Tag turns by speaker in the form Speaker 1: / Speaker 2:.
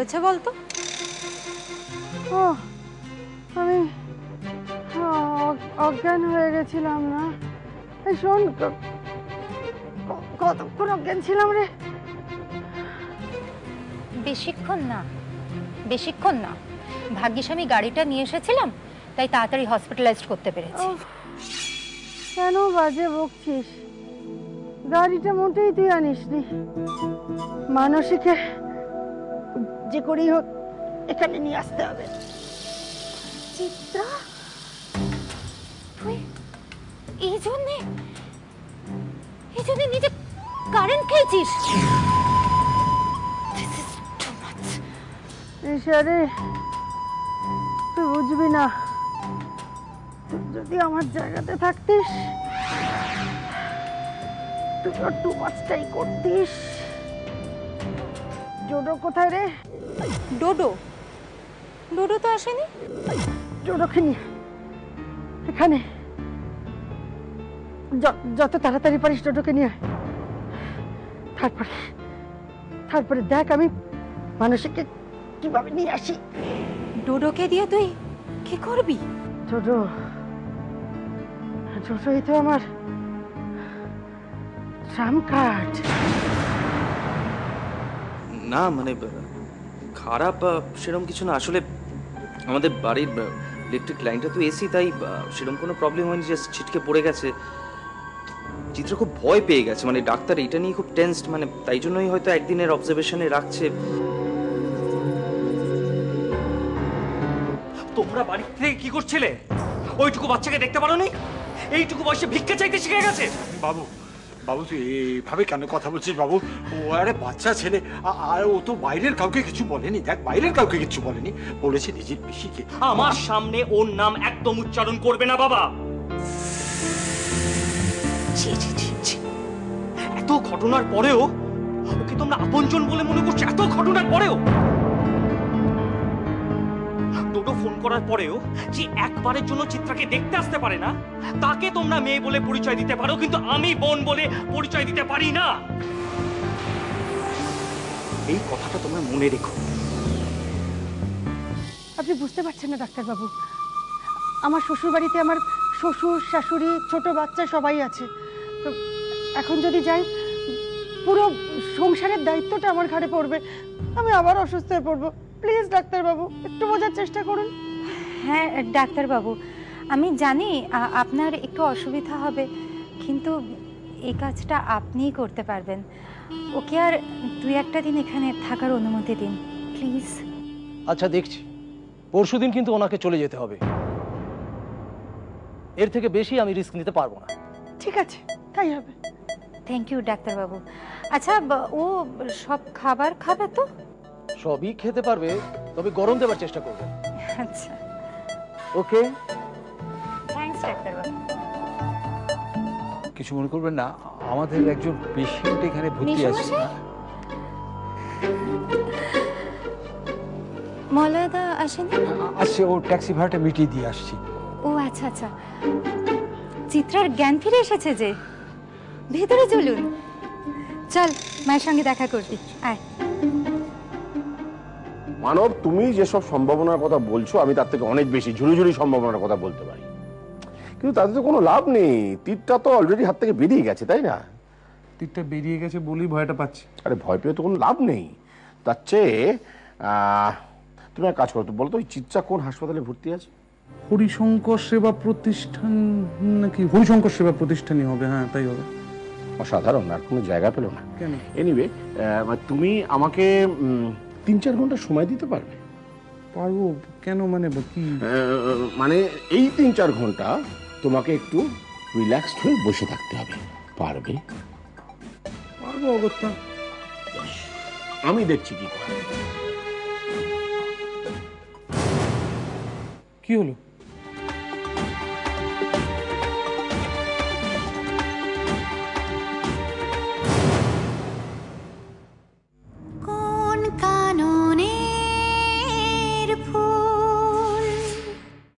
Speaker 1: হয়েছে বলতো?
Speaker 2: ও আমি অজ্ঞান হয়ে গেছিলাম না। এই শোন, কতক্ষণ অজ্ঞান ছিলাম রে?
Speaker 1: বেশিক্ষণ না, বেশিক্ষণ না। ভাগ্যিস আমি গাড়িটা নিয়ে এসেছিলাম, তাই তাড়াতাড়ি হসপিটালাইজড করতে পেরেছি।
Speaker 2: কেন বাজে বকছিস? গাড়িটা মোটেই তুই আনিসনি। মানসীকে যে করেই হোক এখানে নিয়ে আসতে হবে।
Speaker 1: চিত্রা, তুই এই জন্যে নিজে কারেন্ট খেয়েছিস?
Speaker 2: রে তুই বুঝবি না। যদি আমার জায়গাতে থাকতিস তুই আর টু মাছটাই করতিস। ডোডো কোথায় রে?
Speaker 1: ডোডো? ডোডো তো আসেনি।
Speaker 2: ডোডোকে নিয়ে এখানে যত তাড়াতাড়ি পারিস ডোডোকে নিয়ে। তারপরে দেখ আমি মানসিককে কিভাবে নিয়ে আসি।
Speaker 1: ডোডোকে দিয়ে তুই কি করবি?
Speaker 2: ডোডোই তো আমার ট্রাম কার্ড।
Speaker 3: না মানে খারাপ সেরকম কিছু না। আসলে আমাদের বাড়ির ইলেকট্রিক লাইনটা তো এসি, তাই সেরকম কোনো প্রবলেম হয়নি, যে ছিটকে পড়ে গেছে। চিত্র খুব ভয় পেয়ে গেছে, মানে ডাক্তার এটা নিয়ে খুব টেনসড, মানে তাই জন্যই হয়তো একদিনের অবজারভেশনে রাখছে।
Speaker 4: তোমরা বাড়ি থেকে কি করছিলে? ওইটুকু বাচ্চাকে দেখতে পারোনি? এইটুকু বয়সে ভিক্ষা চাইতে শিখে গেছে।
Speaker 5: বাবু বাবু তুই এইভাবে কেন কথা বলছিস বাবু? ও আরে বাচ্চা ছেলে, আর ও তো বাইরের কাউকে কিছু বলেনি। দেখ, বাইরের কাউকে কিছু বলেনি, বলেছে নিজের পিসিকে।
Speaker 4: আমার সামনে ওর নাম একদম উচ্চারণ করবে না বাবা। ছি ছি ছি ছি, এত ঘটনার পরেও ওকে তোমরা আপনজন বলে মনে করছো? এত ঘটনার পরেও ডোডো ফোন করার পরেও যে একবারের জন্য চিত্রাকে দেখতে আসতে পারে না, তাকে তোমরা মেয়ে বলে পরিচয় দিতে পারো, কিন্তু আমি বোন বলে পরিচয় দিতে পারি না। এই কথাটা তোমরা মনে রেখো।
Speaker 2: আপনি বুঝতে পারছেন না ডাক্তারবাবু, আমার শ্বশুর বাড়িতে আমার শ্বশুর শাশুড়ি ছোট বাচ্চা সবাই আছে। তো এখন যদি যাই পুরো সংসারের দায়িত্বটা আমার ঘাড়ে পড়বে। আমি আবার অসুস্থ হয়ে পড়বো। প্লিজ ডাক্তারবাবু একটু বোঝার চেষ্টা করুন।
Speaker 1: হ্যাঁ ডাক্তারবাবু, আমি জানি আপনার একটু অসুবিধা হবে, কিন্তু এই কাজটা আপনিই করতে পারবেন। ওকে আর 2-1 দিন এখানে থাকার অনুমতি দিন প্লিজ।
Speaker 6: আচ্ছা দেখছি, পরশুদিন কিন্তু ওনাকে চলে যেতে হবে। এর থেকে বেশি আমি রিস্ক নিতে পারবো না।
Speaker 2: ঠিক আছে, তাই হবে।
Speaker 1: থ্যাংক ইউ ডাক্তারবাবু। আচ্ছা, ও সব খাবার খাবে তো?
Speaker 6: সবই খেতে পারবে, তবে গরম দেবার চেষ্টা করবে।
Speaker 1: আচ্ছা,
Speaker 6: ওকে।
Speaker 1: থ্যাঙ্কস ডাক্তারবাবু।
Speaker 7: কিছু মনে করবেন না, আমাদের একজন পেশেন্ট এখানে ভর্তি আছে।
Speaker 1: মলয়দা আসেনি?
Speaker 7: আসছে, ও ট্যাক্সি ভাড়াটা মিটিয়ে দিয়ে আসছি।
Speaker 1: ও আচ্ছা আচ্ছা, চিত্রার জ্ঞান ফিরে এসেছে যে। ভেতরে চলুন, চল মায়ের সঙ্গে দেখা করবি, আয়।
Speaker 8: মানব, তুমি যেসব সম্ভাবনার কথা বলছো আমি তার থেকে অনেক বেশি ঝুড়ি সম্ভাবনার কথা বলতে পারি, কিন্তু তাতে তো কোনো লাভ নেই। তীরটা তো অলরেডি হাত থেকে বেরিয়ে গেছে, তাই না?
Speaker 9: তীরটা বেরিয়ে গেছে বলেই ভয়টা পাচ্ছি।
Speaker 8: আরে ভয় পেয়ে তো কোনো লাভ নেই। তার চেয়ে তুমি এক কাজ করো তো, বলো তো ওই চিত্রা কোন হাসপাতালে ভর্তি আছে?
Speaker 9: হরিশঙ্কর সেবা প্রতিষ্ঠান নাকি? হরিশঙ্কর সেবা প্রতিষ্ঠানই হবে, হ্যাঁ তাই হবে।
Speaker 8: অসাধারণ, আর কোনো জায়গা পেলো না।
Speaker 9: কেন?
Speaker 8: এনিওয়ে, তুমি আমাকে 3-4 ঘন্টা সময় দিতে পারবে?
Speaker 9: পারবো। কেন মানে কি?
Speaker 8: মানে এই 3-4 ঘন্টা তোমাকে একটু রিল্যাক্সড হয়ে বসে থাকতে হবে। পারবে?
Speaker 9: পারবো অগত্যা।
Speaker 8: আমি দেখছি কি করে।
Speaker 9: কি হলো?